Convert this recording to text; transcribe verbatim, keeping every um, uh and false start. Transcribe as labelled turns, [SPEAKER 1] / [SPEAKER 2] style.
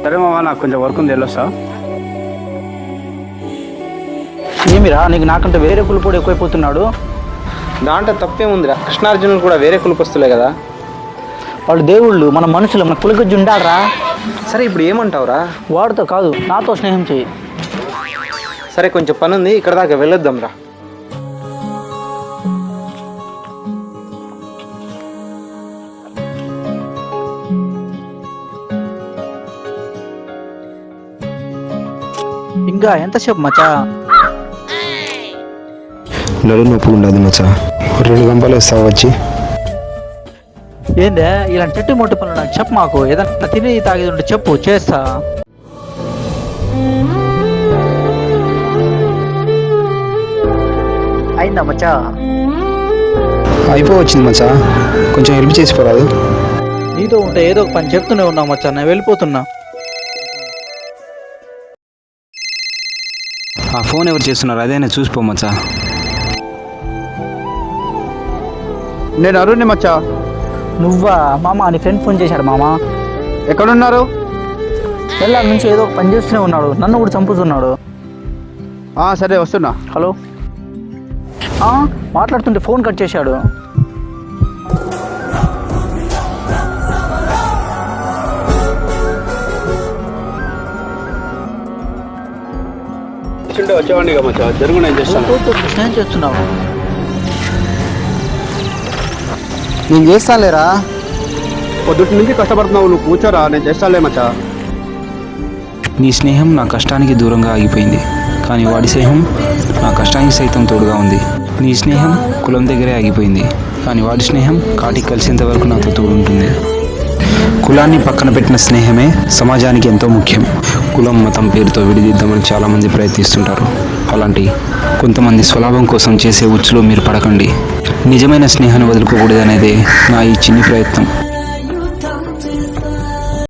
[SPEAKER 1] సరే మామ, నాకు కొంచెం వర్క్ ఉంది, వెళ్ళొస్తా.
[SPEAKER 2] ఏమిరా నీకు నాకంటే వేరే కులపోడు ఎక్కువైపోతున్నాడు?
[SPEAKER 3] దాంట్లో తప్పేముందిరా, కృష్ణార్జునులు కూడా వేరే కులపస్తులే కదా.
[SPEAKER 2] వాళ్ళు దేవుళ్ళు, మన మనుషులు, మన కులకొచ్చి ఉండాలరా.
[SPEAKER 3] సరే ఇప్పుడు ఏమంటావురా?
[SPEAKER 2] వాడితో కాదు, నాతో స్నేహం చెయ్యి.
[SPEAKER 3] సరే కొంచెం పని ఉంది, ఇక్కడ దాకా వెళ్ళొద్దాం రా.
[SPEAKER 2] ఇంకా ఎంతసేపు మచ్చా?
[SPEAKER 4] నడు నొప్పి ఉండదు మచ్చా, రెండు గంపలు ఇస్తావు వచ్చి.
[SPEAKER 2] ఏందే ఇలాంటి చెట్టు మొట్టు పనులు నాకు చెప్పు, మాకు ఏదన్నా తిని తాగేది ఉంటే చెప్పు, చేస్తా. అయిందా మచ్చా?
[SPEAKER 4] అయిపోవచ్చింది మచ్చా, కొంచెం హెల్ప్ చేసిపోరాదు.
[SPEAKER 2] నీతో ఉంటే ఏదో ఒక పని చెప్తూనే ఉన్నా మచ్చా, నేను వెళ్ళిపోతున్నా.
[SPEAKER 4] ఆ ఫోన్ ఎవరు చేస్తున్నారు అదేనా చూసిపో మచ్చా.
[SPEAKER 1] నేను అరుణ్ని మచ్చా.
[SPEAKER 2] నువ్వా మామ? నీ ఫ్రెండ్ ఫోన్ చేశాడు మామ.
[SPEAKER 1] ఎక్కడున్నారు?
[SPEAKER 2] వెళ్ళా నుంచి ఏదో ఒక పని చేస్తూనే ఉన్నాడు, నన్ను కూడా చంపుతున్నాడు.
[SPEAKER 1] సరే వస్తున్నా.
[SPEAKER 2] హలో, మాట్లాడుతుంటే ఫోన్ కట్ చేశాడు.
[SPEAKER 1] వచ్చేవాడిని మచ్చా, జరుగు, నేను చేస్తాను.
[SPEAKER 2] స్నేహం చేస్తున్నావు?
[SPEAKER 3] నేను చేస్తానులేరా.
[SPEAKER 1] పొద్దుటి నుంచి కష్టపడుతున్నావు, నువ్వు కూర్చోరా, నేను చేస్తానులే మచ్చా.
[SPEAKER 4] నీ స్నేహం నా కష్టానికి దూరంగా ఆగిపోయింది, కానీ వాడి స్నేహం నా కష్టానికి సైతం తోడుగా ఉంది. నీ స్నేహం కులం దగ్గరే ఆగిపోయింది, కానీ వాడి స్నేహం కాటికి కలిసేంత వరకు నాతో తోడుంటుంది. కులాన్ని పక్కన పెట్టిన స్నేహమే సమాజానికి ఎంతో ముఖ్యం. కులం మతం పేరుతో విడిదిద్దామని చాలామంది ప్రయత్నిస్తుంటారు. అలాంటి కొంతమంది స్వలాభం కోసం చేసే ఉచ్చులో మీరు పడకండి. నిజమైన స్నేహాన్ని వదులుకోకూడదనేదే నా ఈ చిన్ని ప్రయత్నం.